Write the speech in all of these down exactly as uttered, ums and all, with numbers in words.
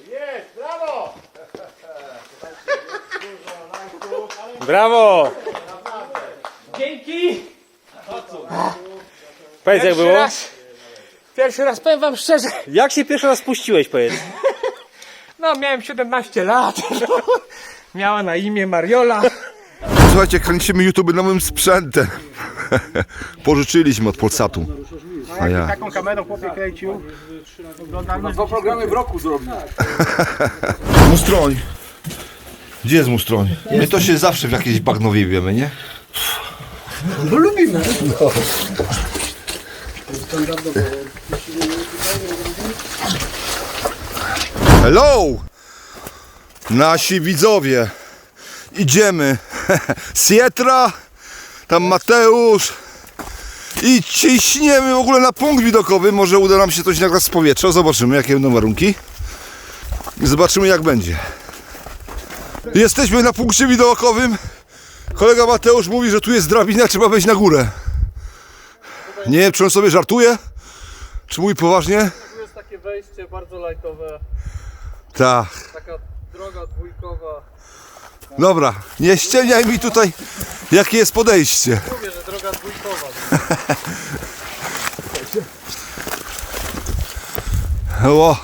Jest, brawo! Brawo! Dzięki! Powiedz jak było? Raz, pierwszy raz powiem wam szczerze, Jak się pierwszy raz spuściłeś, powiedz? no miałem siedemnaście lat, miała na imię Mariola. Słuchajcie, kręcimy YouTube nowym sprzętem. Pożyczyliśmy od Polsatu. A ja. Taką kamerą chłopie kręcił. Oglądamy Dwa programy w roku zrobił. Mustroń. Gdzie jest mustroń? My to się zawsze w jakiejś bagnowie wiemy, nie? No lubimy. Hello! Nasi widzowie. Idziemy. Sietra, tam Mateusz. I ciśniemy w ogóle na punkt widokowy. Może uda nam się coś nagrać z powietrza. Zobaczymy, jakie będą warunki. I zobaczymy, jak będzie. Jesteśmy na punkcie widokowym. Kolega Mateusz mówi, że tu jest drabina, trzeba wejść na górę. Nie wiem, czy on sobie żartuje, czy mówi poważnie. Tu jest takie wejście bardzo lajtowe, Tak. taka droga dwójkowa. Dobra, nie ściemniaj mi tutaj, jakie jest podejście. Mówię, że droga dwójkowa. O.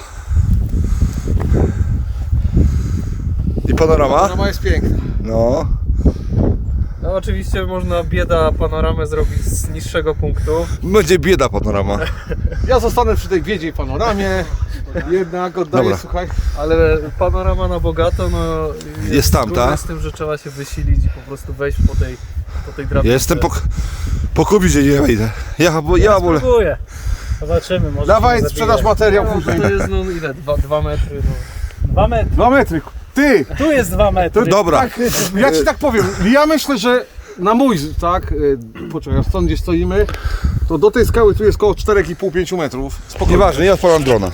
I panorama? Panorama jest piękna. No. No oczywiście można bieda panoramę zrobić z niższego punktu. Będzie bieda panorama. Ja zostanę przy tej biedzie i panoramie. Jednak oddaję, Dobra. słuchaj. Ale panorama na bogato, no Jest tam, trudne tak? z tym, że trzeba się wysilić i po prostu wejść po tej, po tej drabince. Ja jestem po, po kubidzie, nie wejdę. Ja, bo, ja wolę. Spróbuję. Zobaczymy, może Dawaj, się sprzedaż zabije. materiał No, później. to jest no ile? Dwa, dwa metry. No. Dwa metry. Dwa metry. Ty! Tu jest dwa metry. Dobra. Tak, ja ci tak powiem. Ja myślę, że na mój, tak, y, poczekaj, stąd gdzie stoimy, to do tej skały tu jest około cztery i pół do pięciu metrów. Spokojnie. Nieważne, ja odpalam drona.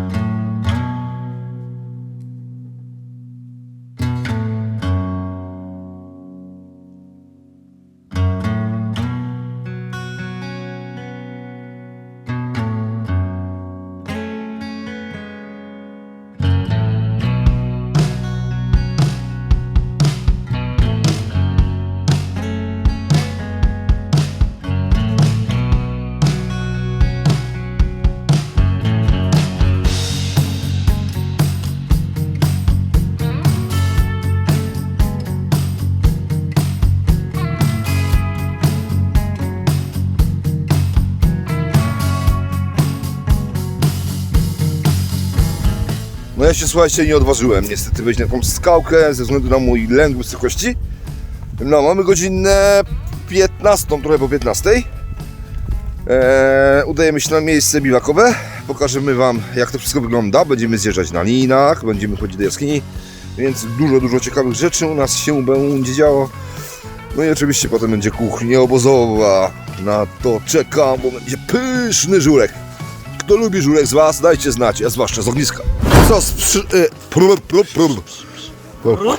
No ja się, słuchajcie, nie odważyłem niestety wejść na tą skałkę ze względu na mój lęk wysokości. No, mamy godzinę piętnastą, trochę po piętnastej. Eee, udajemy się na miejsce biwakowe. Pokażemy wam, jak to wszystko wygląda. Będziemy zjeżdżać na linach, będziemy chodzić do jaskini. Więc dużo, dużo ciekawych rzeczy u nas się będzie działo. No i oczywiście potem będzie kuchnia obozowa. Na to czekam, bo będzie pyszny żurek. Kto lubi żurek z was, dajcie znać, a zwłaszcza z ogniska. Co z przy... E, prr, prr, prr.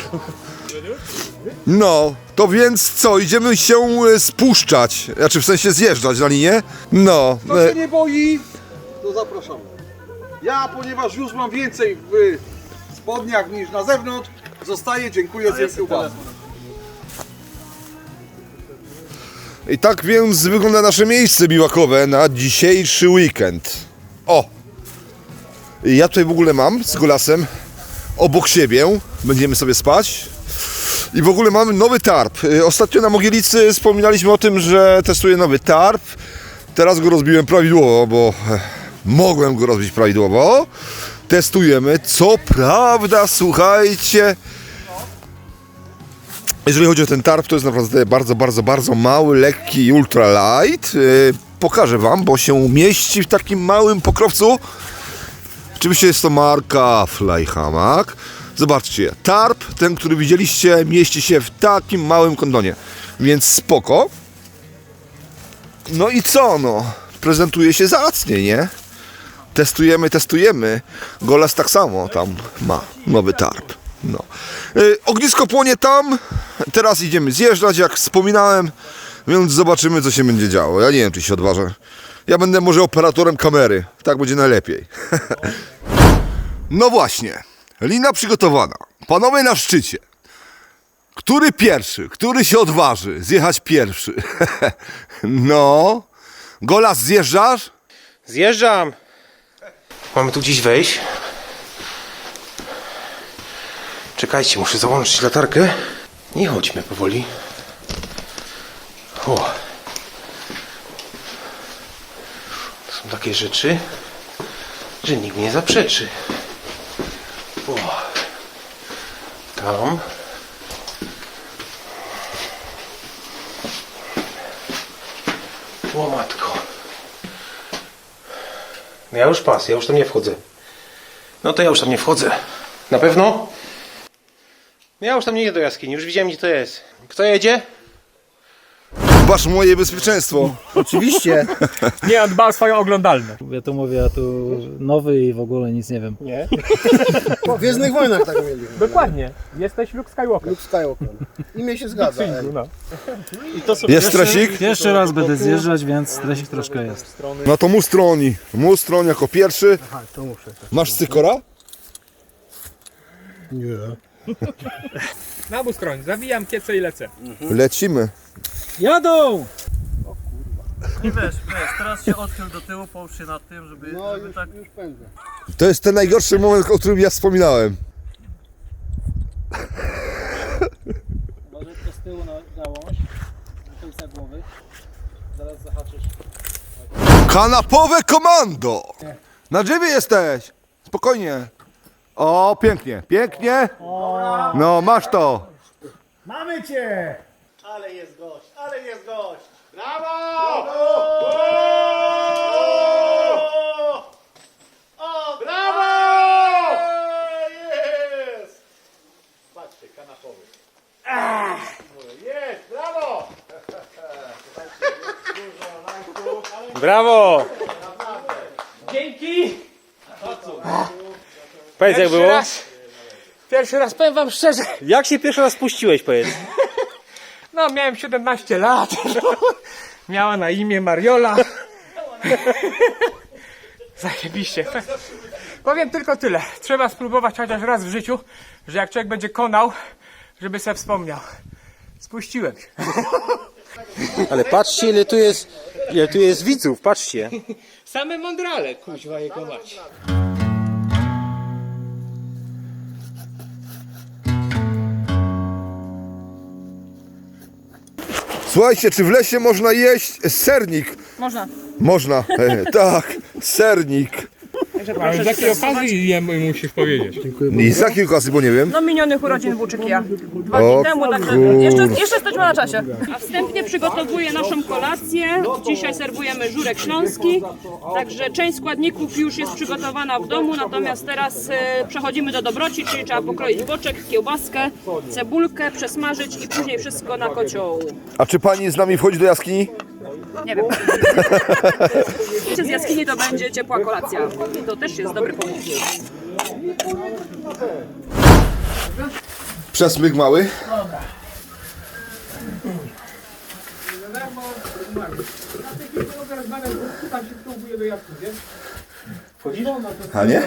No, to więc co, idziemy się e, spuszczać, znaczy w sensie zjeżdżać na linię? No, Kto e, się nie boi, to zapraszamy. Ja, ponieważ już mam więcej w spodniach niż na zewnątrz, zostaję, dziękuję za kiełbasę. i tak więc wygląda nasze miejsce biwakowe na dzisiejszy weekend. O! Ja tutaj w ogóle mam z Golasem obok siebie, będziemy sobie spać. I w ogóle mamy nowy tarp. Ostatnio na Mogielicy wspominaliśmy o tym, że testuję nowy tarp. Teraz go rozbiłem prawidłowo, bo mogłem go rozbić prawidłowo. Testujemy. Co prawda, słuchajcie, jeżeli chodzi o ten tarp, to jest naprawdę bardzo, bardzo, bardzo mały, lekki, ultra light. Yy, pokażę wam, bo się mieści w takim małym pokrowcu. Oczywiście jest to marka Flyhammock. Zobaczcie, tarp, ten, który widzieliście, mieści się w takim małym kondonie. Więc spoko. No i co, no? Prezentuje się zacnie, nie? Testujemy, testujemy. Golas tak samo tam ma nowy tarp. No. Yy, ognisko płonie tam. Teraz idziemy zjeżdżać, jak wspominałem. Więc zobaczymy, co się będzie działo. Ja nie wiem, czy się odważę. Ja będę może operatorem kamery. Tak będzie najlepiej. No właśnie, lina przygotowana. Panowie na szczycie. Który pierwszy, który się odważy zjechać pierwszy? No, Golas, zjeżdżasz? Zjeżdżam. Mamy tu gdzieś wejść. Czekajcie, muszę załączyć latarkę. Nie chodźmy powoli. O. To są takie rzeczy, że nikt nie zaprzeczy. O. Tam. O matko. No ja już pas, ja już tam nie wchodzę. No to ja już tam nie wchodzę. Na pewno? Ja już tam nie jedę do jaskini, już widziałem gdzie to jest. Kto jedzie? Dbasz o moje bezpieczeństwo. Oczywiście. Nie, on dba o swoją oglądalność. Ja tu mówię, ja tu nowy i w ogóle nic nie wiem. Nie? Po Gwiezdnych Wojnach tak mieli. Dokładnie. Jesteś Luke Skywalker. Luke Skywalker. Imię się zgadza. ej. No. Jest stresik? Pierwszy raz będę zjeżdżać, więc stresik troszkę jest. No to Mustroni. Mustron jako pierwszy. Masz cykora? Na obu stron. Zawijam kiece i lecę. Lecimy. Jadą! I wiesz, wiesz, teraz się odchyl do tyłu, połóż się nad tym, żeby, No żeby już, tak... już pędzę. To jest ten najgorszy moment, o którym ja wspominałem. Może to z tyłu na gałąź, do końca głowy. Zaraz zahaczysz. Kanapowe komando! Na drzewie jesteś! Spokojnie. O, pięknie, pięknie. No, masz to. Mamy cię! Ale jest gość, ale jest gość. Brawo! O, brawo! Jest! Patrzcie, kanapowy. Jest, brawo! Brawo! Dzięki! Powiedz jak Pierwszy było? raz, pierwszy raz powiem wam szczerze. Jak się pierwszy raz spuściłeś, powiedz? No, miałem siedemnaście lat. Miała na imię Mariola. Zajebiście. Powiem tylko tyle. Trzeba spróbować chociaż raz w życiu, że jak człowiek będzie konał, żeby sobie wspomniał. Spuściłem się. Ale patrzcie ile tu jest, ile tu jest widzów, patrzcie. Same mądrale, kuźwa jego mać. Słuchajcie, czy w lesie można jeść sernik? Można. Można, e, tak, sernik. Ale z jakiej okazji jemu musisz powiedzieć? I z jakiej okazji, bo nie wiem. No minionych urodzin Włóczykija. Dwa O dni temu, także kur- jeszcze, jeszcze jesteśmy na czasie. A wstępnie przygotowuję naszą kolację. Dzisiaj serwujemy żurek śląski. Także część składników już jest przygotowana w domu, natomiast teraz e, przechodzimy do dobroci, czyli trzeba pokroić boczek, kiełbaskę, cebulkę, przesmażyć i później wszystko na kocioł. A czy pani z nami wchodzi do jaskini? Nie wiem. Z jaskini to będzie ciepła kolacja. To też jest dobry pomysł. Przesmyk mały. A nie?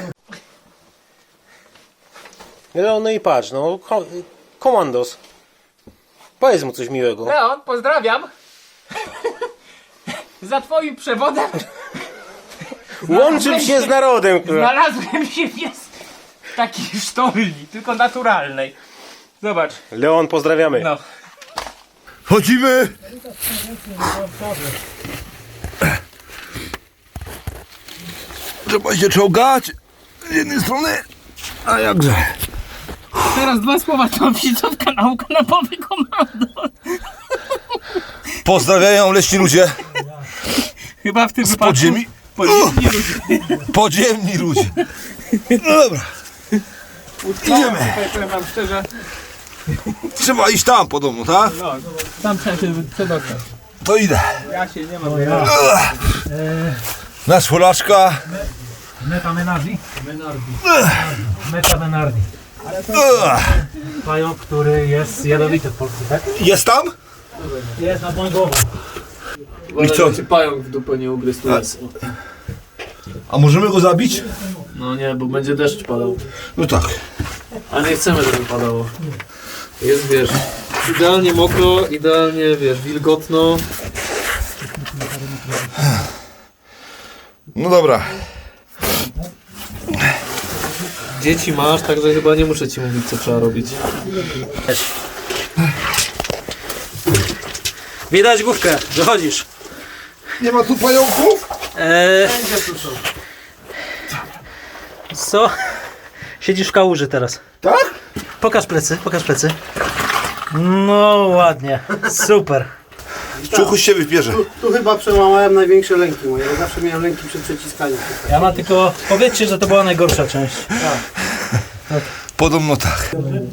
No, no i patrz, no, ko- komandos. Powiedz mu coś miłego. Leon, pozdrawiam. Za twoim przewodem Łączył się z narodem, kurwa. znalazłem się w jest takiej sztolni, tylko naturalnej. Zobacz, Leon, pozdrawiamy. no. Chodzimy! Trzeba się czołgać z jednej strony, a jakże. Teraz dwa słowa, to wizytówka nauka na powy komando. Pozdrawiają leśni ludzie. Chyba w tym Z wypadku podziemi. podziemni ludzie. Podziemni ludzie. No dobra, idziemy. Tutaj powiem wam szczerze, Trzeba iść tam po domu, tak? tam trzeba się przedostać. To idę. Ja się nie mam. Nasz Polaczka. Meta Menardi. Meta Menardi. Pająk, który jest jadowity w Polsce, tak? Jest tam? Jest nad moją głową. I co? Pająk w dupę nie ugryzł, tu jest. A możemy go zabić? No nie, bo będzie deszcz padał. No tak. A nie chcemy, żeby padało. Jest, wiesz, idealnie mokro, idealnie, wiesz, wilgotno. No dobra. Dzieci masz, także chyba nie muszę ci mówić, co trzeba robić. Widać główkę, wychodzisz. Nie ma tu pająków? Eee, co? Siedzisz w kałuży teraz. Tak? Pokaż plecy, pokaż plecy. No ładnie, super. Czuchuś się wybierze. Tu chyba przełamałem największe lęki moje. Ja zawsze miałem lęki przed przyciskaniem. Ja mam tylko, powiedzcie, że to była najgorsza część. Podobno tak.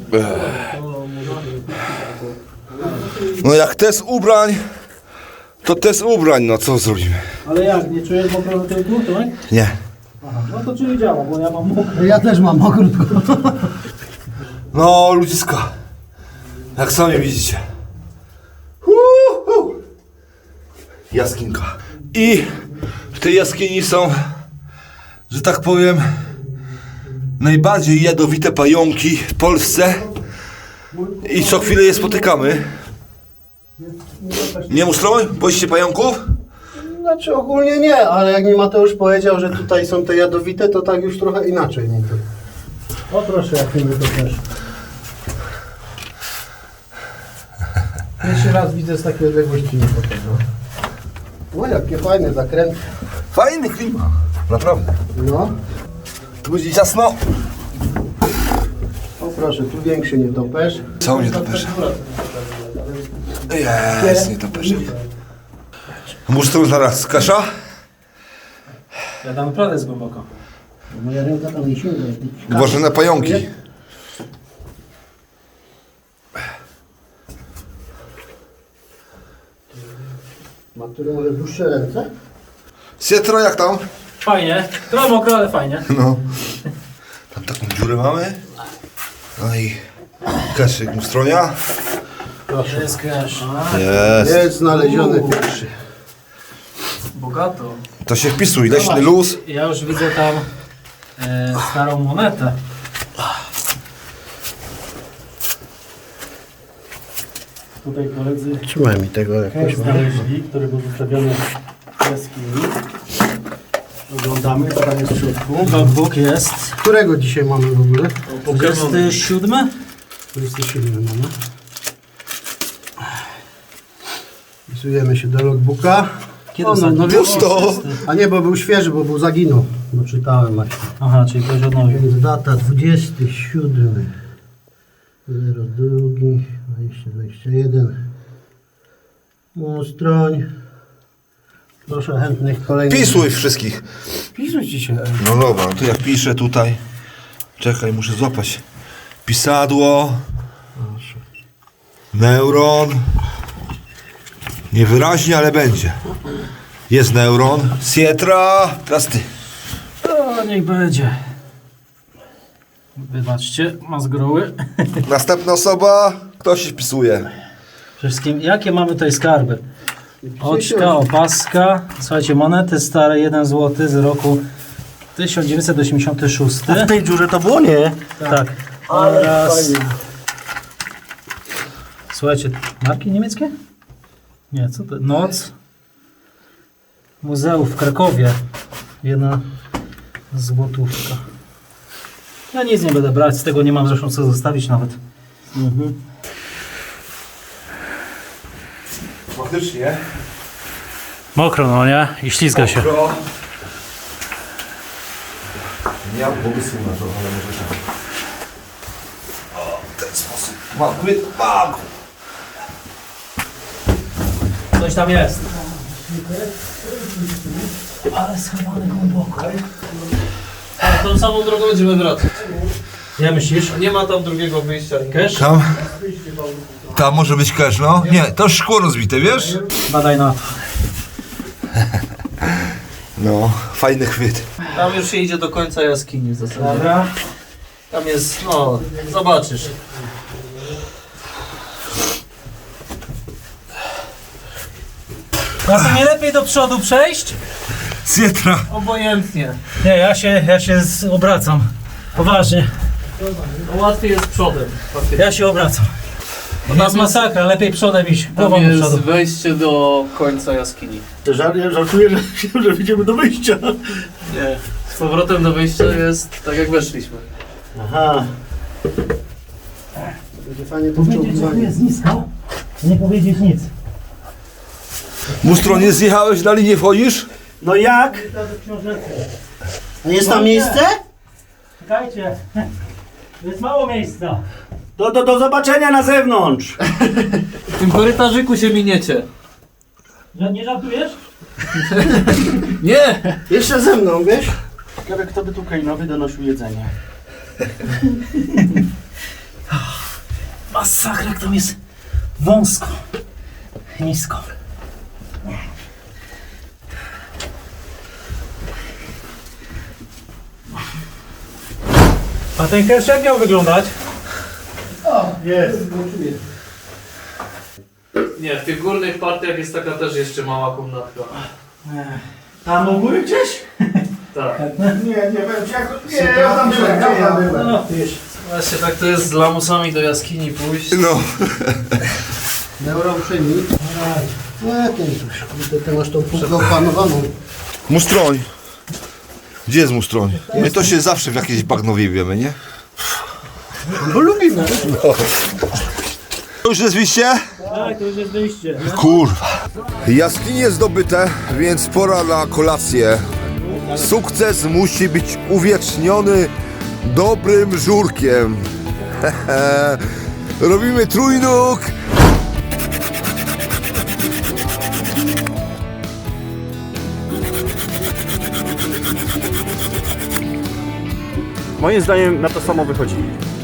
No jak test ubrań, to test ubrań, no co zrobimy? Ale jak, nie czujesz mokro na tyłku, tak? Nie. No to czyli działa, bo ja mam mokro. Ja też mam okrutko. No ludziska, jak sami widzicie. Uhu. Jaskinka. I w tej jaskini są, że tak powiem, najbardziej jadowite pająki w Polsce i co chwilę je spotykamy. Nie Mustroń? Boisz się pająków? Znaczy ogólnie nie, ale jak mi Mateusz powiedział, że tutaj są te jadowite, to tak już trochę inaczej. Nie? O proszę, jak mi to też. Pierwszy raz widzę z takiej odległości nie tego. O, jakie fajne zakręty. Fajny klimat, naprawdę. No, Tu będzie ciasno. o proszę, tu większy nietoperz. Co mnie to pesze? Jest, nie to pesze. Musztrą zaraz kasza? Ja tam naprawdę jest głęboko. Moja ręka tam nie sięga. Uważaj na pająki. Ma który może dłuższe ręce? Sietro, jak tam? Fajnie, trochę mokro, ale fajnie. No. Tam taką dziurę mamy. No i kaszyk Mustronia. Proszę. Jest cash. Jest. Jest znaleziony pierwszy. Bogato. To się wpisuj, leśny luz. Ja już widzę tam e, starą monetę. Tutaj koledzy Trzymaj mi tego jakoś. znaleźli, który był zostawiony w jaskini. Oglądamy, co tam jest w środku. Logbook jest. Którego dzisiaj mamy w ogóle? dwudziesty siódmy? dwudziesty siódmy mamy. Wpisujemy się do logbooka. Kiedy O, no, ostatni? no, Pusto. A nie, bo był świeży, bo był zaginął. No czytałem właśnie. Aha, czyli ktoś odnowił. Więc data dwudziesty siódmy. zero dwa, dwadzieścia dwadzieścia jeden. Mustroń. Proszę chętnych kolejnych. Wpisuj wszystkich. Wpisuj ci się. No dobra, no to ja piszę tutaj. Czekaj, muszę złapać. Pisadło. Neuron. Niewyraźnie, ale będzie. Jest neuron. Sietra. Teraz ty. O, niech będzie. Wybaczcie, ma zgroły. Następna osoba. Kto się wpisuje? Wszystkim, jakie mamy tutaj skarby? Oczka, opaska. Słuchajcie, monety stare, jeden złoty z roku tysiąc dziewięćset osiemdziesiąty szósty. W tej dziurze to było nie? Tak. Oraz... Słuchajcie, marki niemieckie? Nie, co to? Noc. Muzeum w Krakowie. Jedna złotówka. Ja nic nie będę brać, z tego nie mam zresztą co zostawić nawet. Mhm. Faktycznie. Mokro, no nie? I ślizga się. Pro. Nie mam pomysłu na to, ale może tak. O, w ten sposób. Mam chwyt. Mam. Coś tam jest. Ale schowane głęboko. A tą samą drogą będziemy wracać. Ja myślisz? Nie ma tam drugiego wyjścia. Cash? Tam. Tam może być cash, no? Nie, to szkło rozbite, wiesz? Badaj na to. No, fajny chwyt. Tam już się idzie do końca jaskini w zasadzie. Dobra. Tam jest, no, zobaczysz. A to nie lepiej do przodu przejść? Z jetra. Obojętnie. Nie, ja się, ja się z, obracam. Poważnie. No, łatwiej jest przodem. Łatwiej. Ja się obracam. To nas masakra, lepiej przodem iść. Tam Głową do jest przodu. wejście do końca jaskini. Żar- Żartuję, że, że idziemy do wyjścia. Nie. Z powrotem do wyjścia jest tak jak weszliśmy. Aha. Będzie fajnie to Powiedzieć, że tu wciągnięcie. jest nisko, nie powiedzieć nic. Mustro, nie zjechałeś dalej, nie wchodzisz? No jak? Nie jest tam miejsce? Czekajcie, jest mało miejsca. Do, do, do zobaczenia na zewnątrz. W tym korytarzyku się miniecie. Że nie żartujesz? Nie! Jeszcze ze mną, wiesz? Ciekawe, kto by tu Kainowi donosił jedzenie. Masakra, jak tam jest wąsko, nisko. A ten kesz jak miał wyglądać? Jest. Nie, w tych górnych partiach jest taka też jeszcze mała komnatka. Tam u góry gdzieś? Tak. Nie, nie wiem, jak... Nie, ja tam byłem, ja tam byłem. No, wiesz. Właśnie tak to jest z lamusami do jaskini pójść. No. Dobra, uprzejmij. Nie, ty już, kurde, ty masz tą półkę opanowaną. Mustroń. Gdzie jest mustroń? My to się zawsze w jakiejś bagnowie wiemy, nie? Bo lubimy. To już jest wyjście? Tak, to już jest wyjście. Kurwa. Jaskinie zdobyte, więc pora na kolację. Sukces musi być uwieczniony dobrym żurkiem. Robimy trójnóg. Moim zdaniem na to samo wychodzi.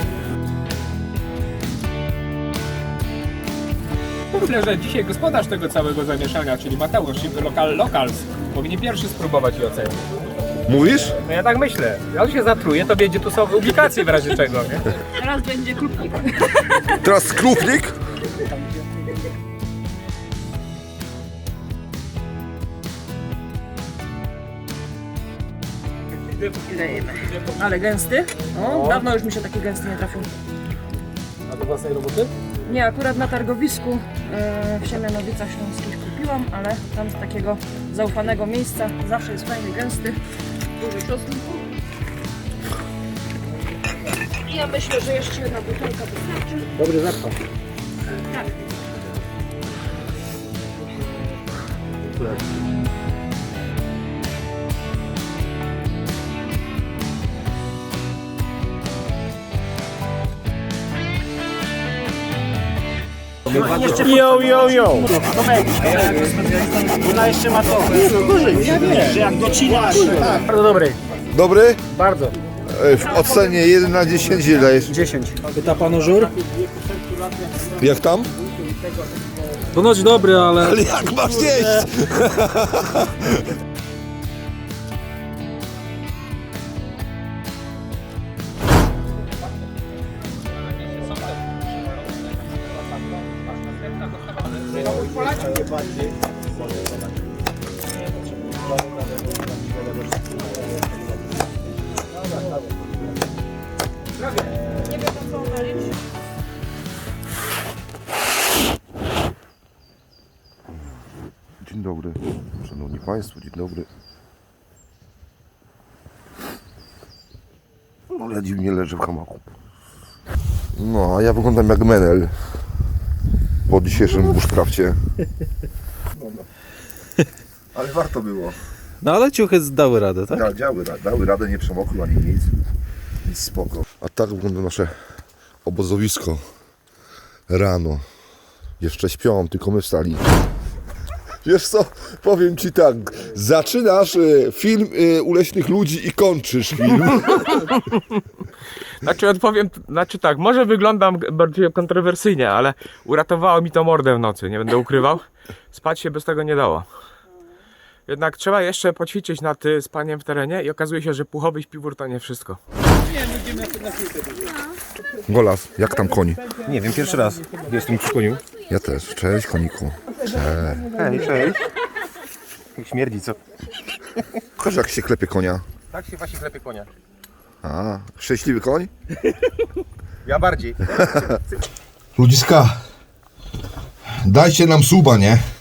Myślę, że dzisiaj gospodarz tego całego zamieszania, czyli Mateusz, lokal Locals, powinien pierwszy spróbować i ocenić. Mówisz? No ja tak myślę. Jak on się zatruje, to będzie tu są publikacje w razie czego, nie? Teraz będzie klubnik. Teraz skrupnik. Dajemy. Ale gęsty. O, dawno już mi się taki gęsty nie trafił. A do własnej roboty? Nie, akurat na targowisku e, w Siemianowicach Śląskich kupiłam, ale tam z takiego zaufanego miejsca zawsze jest fajny, gęsty, duży czosnku. I ja myślę, że jeszcze jedna butelka wystarczy. Dobry zapach. Tak. Jo, jo, jo. Ona jeszcze ma to. Nie, no gorzej. Ja wiem, że jak docinasz. Bardzo dobry. Dobry? Bardzo. E, W ocenie jeden na dziesięć ile dajesz? dziesięć. Pyta pan o żur? Jak tam? Ponoć dobry, ale... Ale jak masz jeść? Dzień dobry, szanowni państwo, dzień dobry. No ja dziwnie leżę w hamaku. No, a ja wyglądam jak menel po dzisiejszym bushcrafcie. Ale warto było. No ale ciuchy dały radę, tak? Da, dały, dały radę, nie przemokły ani nic. Nic spoko. A tak wygląda nasze obozowisko rano. Jeszcze śpią, tylko my wstali. Wiesz co, powiem ci tak, zaczynasz y, film y, u leśnych ludzi i kończysz film. Znaczy odpowiem, znaczy tak, może wyglądam bardziej kontrowersyjnie, ale uratowało mi to mordę w nocy, nie będę ukrywał. Spać się bez tego nie dało. Jednak trzeba jeszcze poćwiczyć nad y, spaniem w terenie i okazuje się, że puchowy śpiwór to nie wszystko. Golas, jak tam koń? Nie wiem, pierwszy raz jestem przy koniu. Ja też, cześć koniku. Cześć. Hej, cześć. Jak śmierdzi, co? Pokaż jak się klepie konia. Tak się właśnie klepie konia. A, szczęśliwy koń? Ja bardziej. Ludziska, dajcie nam suba, nie?